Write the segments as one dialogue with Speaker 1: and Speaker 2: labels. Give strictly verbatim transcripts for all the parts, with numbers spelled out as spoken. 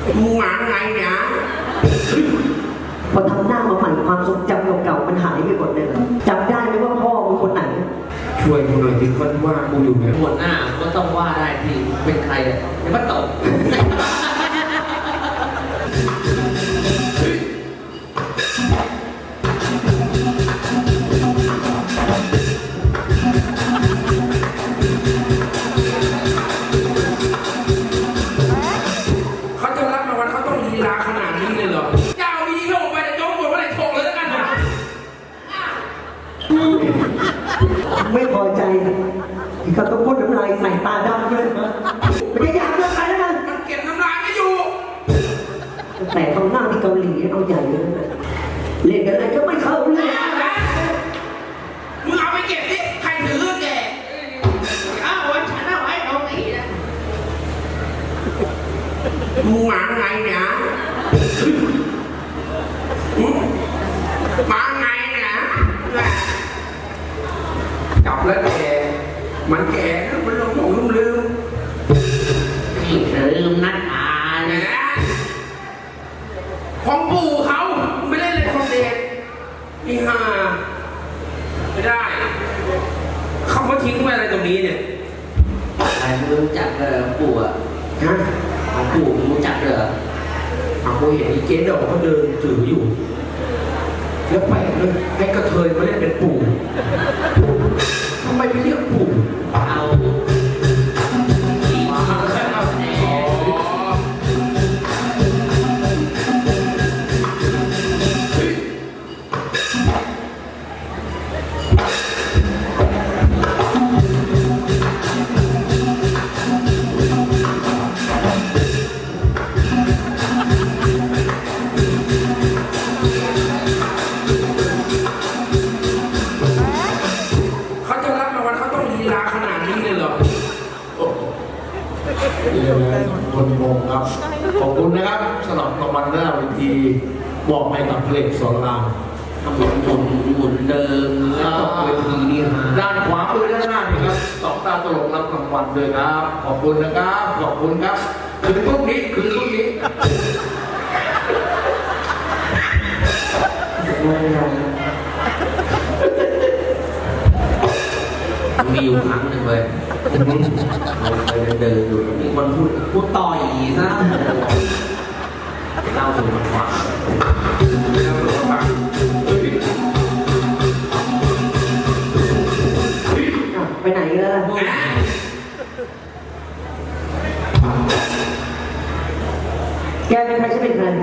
Speaker 1: มึงหมาไงเนี่ย
Speaker 2: พอทำหน้ามาใหม่ความทรงจำเก่าๆมันหายไปหมดเลยจำได้ไหมว่าพ่อมึงคนไหน
Speaker 1: ช่วยกูหน่อยที่คนว่ากูอยู่เนี่ย
Speaker 3: หัวหน้าก็ต้องว่าได้ที่เป็นใครอ่ะไอ้ป้าตก
Speaker 1: เขาจะรับรางวัลเขาต้องลีลาขนาดนี้เลยเหรอเจ้าวิธีโยกไปแต่โจ๊กหมดว่าไหนโฉกเลยแล้วกันนะ
Speaker 2: ไม่พอใจที่เขาต้องพูดน้ำลายใส่ตาดำเลยมันจะอยากเลือกใครแล้วกัน
Speaker 1: มันเก็บน้ำลายไม่อยู่
Speaker 2: แต่เขาหน้าที่เกาหลีเอาใหญ่เลยเล่นอะไรก็ไม่เข้าเลย
Speaker 1: มึงเอาไปเก็บดิใครถือแก
Speaker 3: อ้าววันฉันเอาไว้ตรงนี้นะ
Speaker 1: มึงหมาไงเนี่ยหมาไงเนี่ยจับแล้วแกมันแก่มันลงหลงลืมลืม
Speaker 3: นี่ลืมนัดอ่าน
Speaker 1: ของปู่เขาไม่เล่นเลยคนเด็กอีห่าไม่ได้เขามาทิ้งไว้อะไรตรงนี้เนี่ย
Speaker 3: ใครรู้จักเลยปู่อ่ะ
Speaker 1: ฮะ
Speaker 3: ของปู่รู้จักเหรอ
Speaker 1: เอากูเห็นอีเจ๊ดอกเขาเดินถืออยู่แล้วแปลกเลยให้กระเทยมาเล่นเป็นปู่ทำไมไปเรียกปู่
Speaker 3: เอา
Speaker 4: คนงงครับขอบคุณนะครับสำหรับรางวัลหน้าเวทีบอกไปกับเพลงสอนราม
Speaker 3: หมุนหมุนหมุนเดิมแล้วตกเวทีนี่ฮะ
Speaker 4: ด้านขวามือด้านหน้านี่ครับสองตาตลกรับรางวัลด้วยครับขอบคุณนะครับขอบคุณครับคืนพรุ่งนี้คืนพรุ่งนี้
Speaker 3: มีอยู่ครั้งหนึ่งเลยเดินอยู่มีคนพูดพูดต่อยซะเล่าสู่มันฟัง
Speaker 1: เล่าสู่มันฟัง
Speaker 2: ไปไหนกันล่ะแกเป็นใครฉันเป็นใคร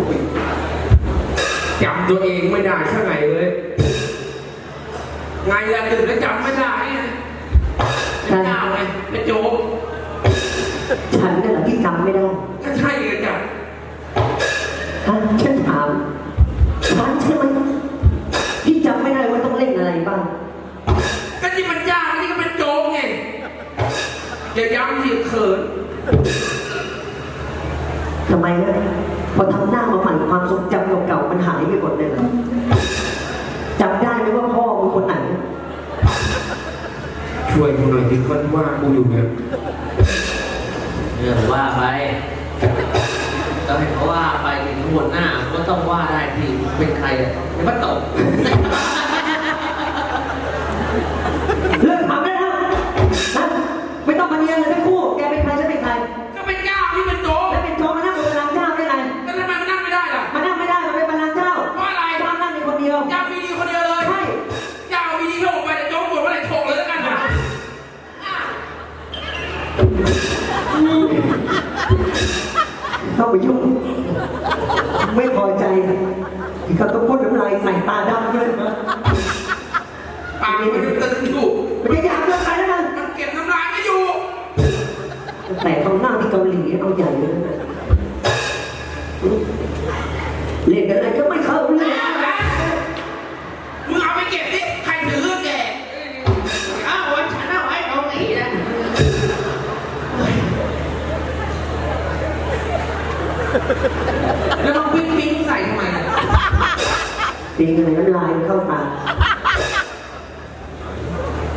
Speaker 1: จำตัวเองไม่ได้สักไงเลยไงละตื่นแล้วจำไม่ได้เป็นเจ้าไงเป็นโจ๊ก
Speaker 2: ฉันนั่นแหละที่จำไม่ได้
Speaker 1: ก็ใช่เลยจ้ะ
Speaker 2: ฉันถามฉันใช่ไหมที่จำไม่ได้ว่าต้องเล่นอะไรบ้าง
Speaker 1: ก็ที่มันยากนี่ก็เป็นโจ๊กไงอย่าย้ำสิเขิน
Speaker 2: ทำไมนะพอทำหน้ามาใหม่ความทรงจำเก่าๆมันหายไปหมดเลยจำได้ไหมว่าพ่อมึงคนไหน
Speaker 1: ช่วยกูหน่อยที่คนว่ากูอยู่เนี่ย
Speaker 3: เรื่องว่าไปต้องให้เขาว่าไปถึงหัวหน้าก็ต้องว่าได้ที่เป็นใครอ่ะไอ้ป้าตก
Speaker 2: เรื่องถามได้แล้วนะไม่ต้องมาเรียนเลยทั้งคู่แกเป็นใครฉันเป็นใคร
Speaker 1: ก็เป็นเจ้าที่เป็นโจ๊ก
Speaker 2: แล้วเป็นโจ๊กมานั่งบนบัลลังก์เจ้าได้ไง
Speaker 1: แล้วทำไมมันนั่งไม่ได้ล่ะ
Speaker 2: มานั่งไม่ได้มันเป็นบัลลังก์เจ้า
Speaker 1: เพราะอะไร
Speaker 2: เจ้านั่งในคนเดียว
Speaker 1: เจ้ามีดีคนเดียวเลย
Speaker 2: ใช่
Speaker 1: เจ้ามีดีโยกไปแต่โจ๊กหมดว่าไหนโฉกเลยแล้วกันนะ
Speaker 2: เข้าไปยุ่งไม่พอใจที่เขาต้องพูดน้ำลายใส่ตาดำเลย
Speaker 1: ปากมันตึงอยู่
Speaker 2: มันจะอยากเลือกใครแล้วกัน
Speaker 1: มันเก็บน้ำลายไม่อยู่
Speaker 2: แต่เขาหน้าที่เกาหลีเอาใหญ่เลยเล่นอะไรก็ไม่เข้าเลย
Speaker 1: มึงเอาไปเก็บดิใครถือแก
Speaker 3: อ้าววันฉันเอาไว้ตรงนี้นะแล้วต้องปิ้งปิ้งใส่ทำไม
Speaker 2: ปิ้งอะไรน้ำลายเข้าปาก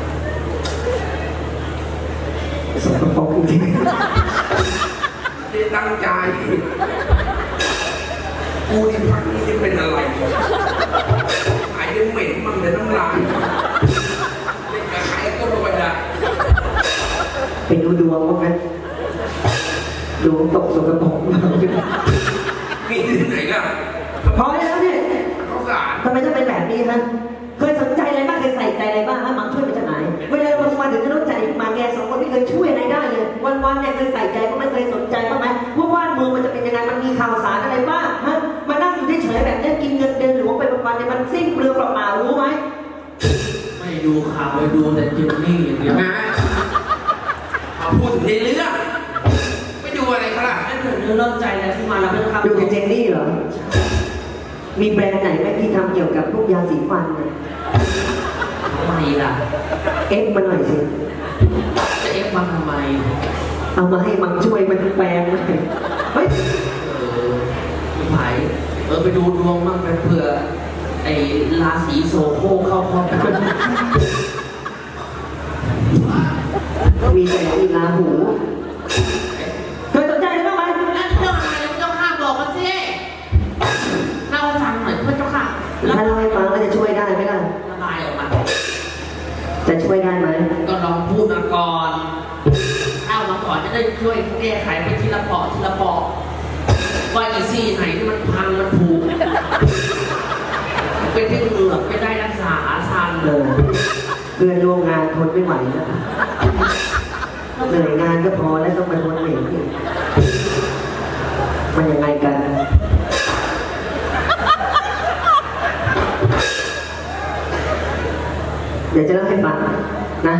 Speaker 2: สกปรกจริง
Speaker 1: ตั้งใจกูที่พักนี่จะเป็นอะไรหายยังเหม็นมั่งเลยน้ำลายเล่นกับใครก็ไม่ได้
Speaker 2: ไปดูดวงว่างั้นดวงตกสกปรกมาก
Speaker 1: มีที่ไหนล่ะ
Speaker 2: พอแล้วเนี่ย
Speaker 1: ข้าวสาร
Speaker 2: ทำไมต้องเป็นแบบนี้ฮะเคยสนใจอะไรบ้างเคยใส่ใจอะไรบ้างฮะมังช่วยมาจากไหนเวลาเรามาถึงจะต้องใจมาแกสองคนไม่เคยช่วยอะไรได้เลยวันๆเนี่ยเคยใส่ใจก็ไม่เคยสนใจบ้างไหมว่าบ้านเมืองมันจะเป็นยังไงมันมีข่าวสารอะไรบ้างฮะมานั่งอยู่เฉยๆแบบนี้กินเงินเดือนหลวงไปวันๆเนี่ยมันสิ้นเปลืองเปล่าๆรู้ไหม
Speaker 3: ไม่ดูข่าวไปดูแต่เจนนี่อย่างเดียว
Speaker 1: นะเอาพูดถึงในเรื่องไม่ดูอะไรเขาล่ะ
Speaker 3: ไม่เกิดเรื่องเริ่มใจแล้วที่มาแล้วไม่ต้อง
Speaker 2: ดูกับเจนนี่เหรอมีแบรนด์ไหนไหมที่ทำเกี่ยวกับพวกยาสีฟันเนี่ย
Speaker 3: ทำไมล่ะ
Speaker 2: เอฟมาหน่อยสิ
Speaker 3: จะเอฟมาทำไม
Speaker 2: เอามาให้มังช่วยมันแปลงเลยเฮ้ย
Speaker 3: เออพี่ไผ่เออไปดูดวงบ้างไปเผื่อไอ้ราศีโซโคเข้าครอบครัว
Speaker 2: มีแต่อีลาหูเคยสนใจอะไรบ้างไหม
Speaker 3: แล้วเรื่องอะไรเจ้าข้าบอกมาสิเล่าให้ฟังหน่อยพระเจ้าค่ะแล้ว
Speaker 2: ถ้าเราให้ฟังก็จะช่วยได้ไหมล่ะ
Speaker 3: ระบายออกมา
Speaker 2: จะช่วยได้ไหม
Speaker 3: ก็ลองพูดมาก่อนเล่ามาก่อนจะได้ช่วยแก้ไขไปทีละปอกทีละปอกว่าอีซี่ไหนที่มันพังมันผูกเป็นที่เหงือกไม่ได้รักษาชัน
Speaker 2: เออเพื่อนร่วมงานทนไม่ไหวแล้วเหนื่อยงานก็พอแล้วต้องมาทนเหนื่อยอีกมันยังไงกัน เดี๋ยวจะเล่าให้ฟังนะ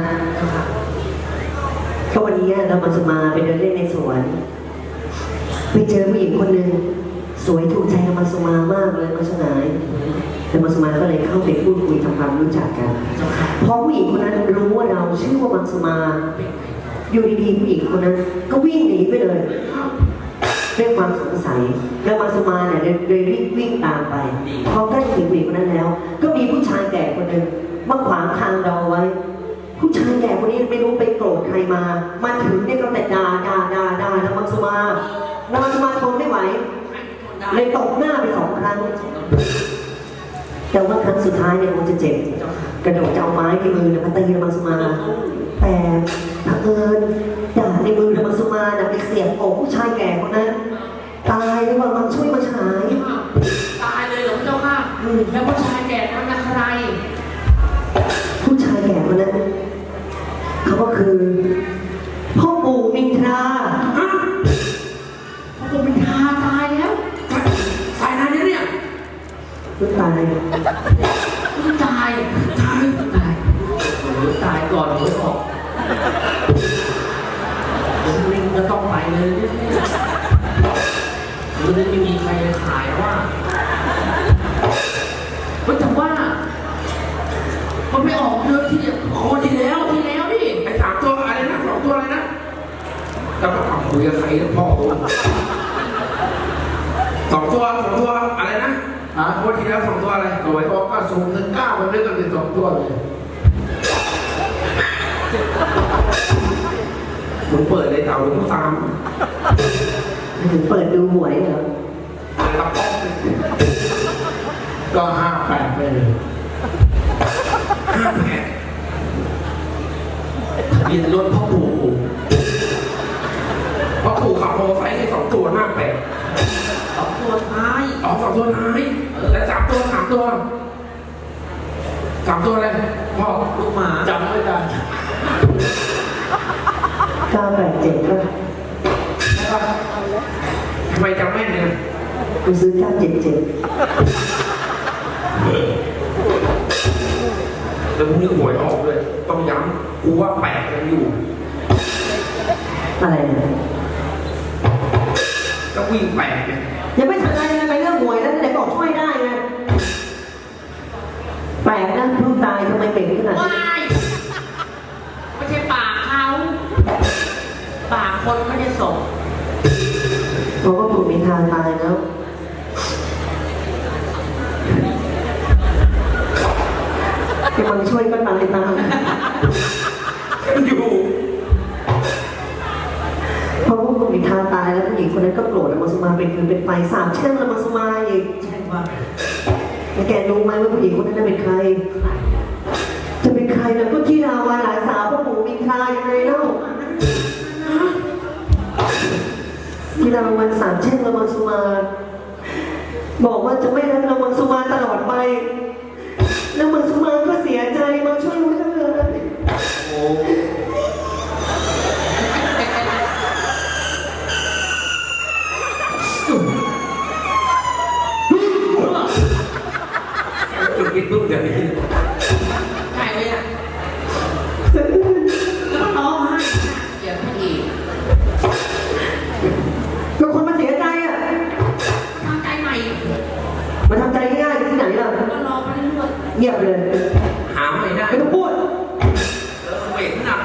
Speaker 2: ก็วันนี้เรามาสมาไปเดินเล่นในสวนไปเจอผู้หญิงคนหนึ่งสวยถูกใจเรามาสมามากเลยมาสนายแต่มาสมาก็เลยเข้าไปพูดคุยทำความรู้จักกันพอผู้หญิงคนนั้นรู้ว่าเราชื่อว่ามังสมาอยู่ดีๆผู้หญิงคนนั้นก็วิ่งหนีไปเลยด้วยความสงสัยแล้วมังสมาเนี่ยเลยรีบวิ่งตามไปพอใกล้ถึงผู้หญิงคนนั้นแล้ว ก็มีผู้ชายแก่คนหนึ่งมาขวางทางเราไว้ ผู้ชายแก่คนนี้ไม่รู้ไปโกรธใครมา มาถึงเนี่ยก็แต่ด่าด่าด่าด่านางมังสมานางมังสมาทนไม่ไหวเลยตบหน้าไปสองครั้ง แต่ว่าครั้งสุดท้ายเนี่ยคงจะเจ็บ กระโดดจะเอาไม้ที่มือเนี่ยมาตีนางมังสมา แต่เผอิญด่าในมือนางมังสมาน่ะไปเสียบอกผู้ชายแก่คนนั้น ตายเลยว่ามังช่วยมาฉาย
Speaker 3: ตายเลยเหรอพระเจ้าค่ะแล้วผู้ชายแก่มันเป็นใคร
Speaker 2: ผู้ชายแก่คนนั้นเขาก็คือพ่อปู่มินทรา
Speaker 3: พระปู่เป็นทาตายแล้ว
Speaker 1: ตายนานแล้วเนี่ย
Speaker 2: เพิ่งตาย
Speaker 3: ตายตายตายโอ้ตายก่อนหวยออกเดี๋ยวลิงจะต้องไปเลยเนี่ยหรือจะไม่มีใครขายว่าแต่ว่ามันไม่ออกเดือนที่โอ้ที่แล้วที่แล้วดิ
Speaker 1: ไอ้สามตัวอะไรนะสองตัวอะไรนะแล้วก็ทำคุยกับใครแล้วพ่อกูสองตัวสองตัวอะไรนะอ่ะวันที่แล้วสองตัวอะไร
Speaker 4: สวยบอกว่าสูงถึงเก้ามันด้วยกันเป็นสองตัวเลย
Speaker 1: มึงเปิดเลยเต่าหรือมึงตาม
Speaker 2: ถึงเปิดดูหวยเหรอ
Speaker 1: ตะป๊อกเลย
Speaker 4: ก็ห้าแปดไปเลย
Speaker 1: ห้าแผล
Speaker 3: ทะเบียนรถพ่อปู่
Speaker 1: เพราะปู่ขับมอเตอร์ไซค์ให้สองตัวห้าแปด
Speaker 3: สองตัวท้าย
Speaker 1: อ๋อสองตัวท้ายและสามตัวสามตัวสามตัวอะไรพ่อ
Speaker 3: ลูกหมา
Speaker 1: จำไม่ได้
Speaker 2: เก้าแปดเจ็ดก็
Speaker 1: ทำไมจำแม่นเนี่ย
Speaker 2: กูซื้อเก้าเจ็ดเจ็ด
Speaker 1: แล้วพรุ่งนี้หวยออกเลยต้องย้ำกูว่าแปดยังอยู่
Speaker 2: อะไรเนี่ย
Speaker 1: ก็วิ่งแปดเนี่ย
Speaker 2: ยังไม่ทันไรเลยไปเรื่องหวยแล้วไหนบอกช่วยได้ไงแปลกนะเพิ่งตายทำไมเป็นขนาด
Speaker 3: ว้า
Speaker 2: นี้
Speaker 3: ยไม่ใช่ปากเขาปากคนไม่ได้ส่ง
Speaker 2: เพราะว่าปู่มินทราตายแล้วกำลังช่วยก็ตายตาม
Speaker 1: อยู่
Speaker 2: เพราะว่าปู่มินทราตายแล้วผู้หญิงคนนั้นก็โกรธละมังสุมาเป็นฟืนเป็นไฟสาบแช่งละมังสุมาอีก
Speaker 3: ใช่ว่า
Speaker 2: แล้วแกรู้ไหมว่าผู้หญิงคนนั้นเป็นใคร จะเป็นใครแล้วก็ที่ดาวาหลานสาวพ่อหมูมินทรายังไงเล่าที่ดาวันสามแช่งละมังสุมาบอกว่าจะไม่รักละมังสุมาตลอดไปละมังสุมาก็เสียใจมาช่วยไว้ทั้งเลย
Speaker 3: โอ้
Speaker 1: จุดกินปุ๊บเดี๋ยวนี้
Speaker 3: ใช่เลยอ่ะแล้วก็ร้องไห้เกลียดพระเอก
Speaker 2: ก็คนมาเสียใจอ่ะ
Speaker 3: ทำใจใหม่
Speaker 2: มาทำใจง่ายๆที่ไหนล่ะ
Speaker 3: ก็รอไปเรื่อย
Speaker 2: เงียบเลย
Speaker 1: หาไม่ได้
Speaker 2: ไม่ต้องพูด
Speaker 1: เออเหม็นหนัก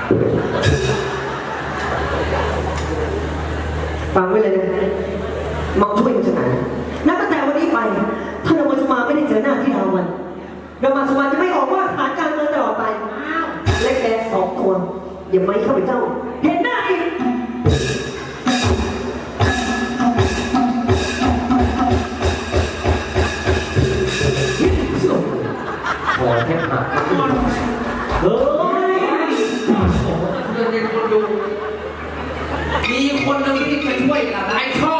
Speaker 2: ฟังไว้เลยนะมังช่วยมันจะไหนนับตั้งแต่วันนี้ไปถ้าเรามาสมาไม่ได้เจอหน้าที่ดาวันเรามาสมาจะไม่ออกว่าหาการเงินตลอดไป
Speaker 3: ๆอ้าว
Speaker 2: และแกสองตัวอย่าไม่เข้าไปเจ้า เห็นหน้าอีก
Speaker 1: พอแทบหัก
Speaker 2: เฮ้ย
Speaker 3: โอ้โหสะเทือนในคนดูมีคนหนึ่งที่จะช่วยเราได้ชอบ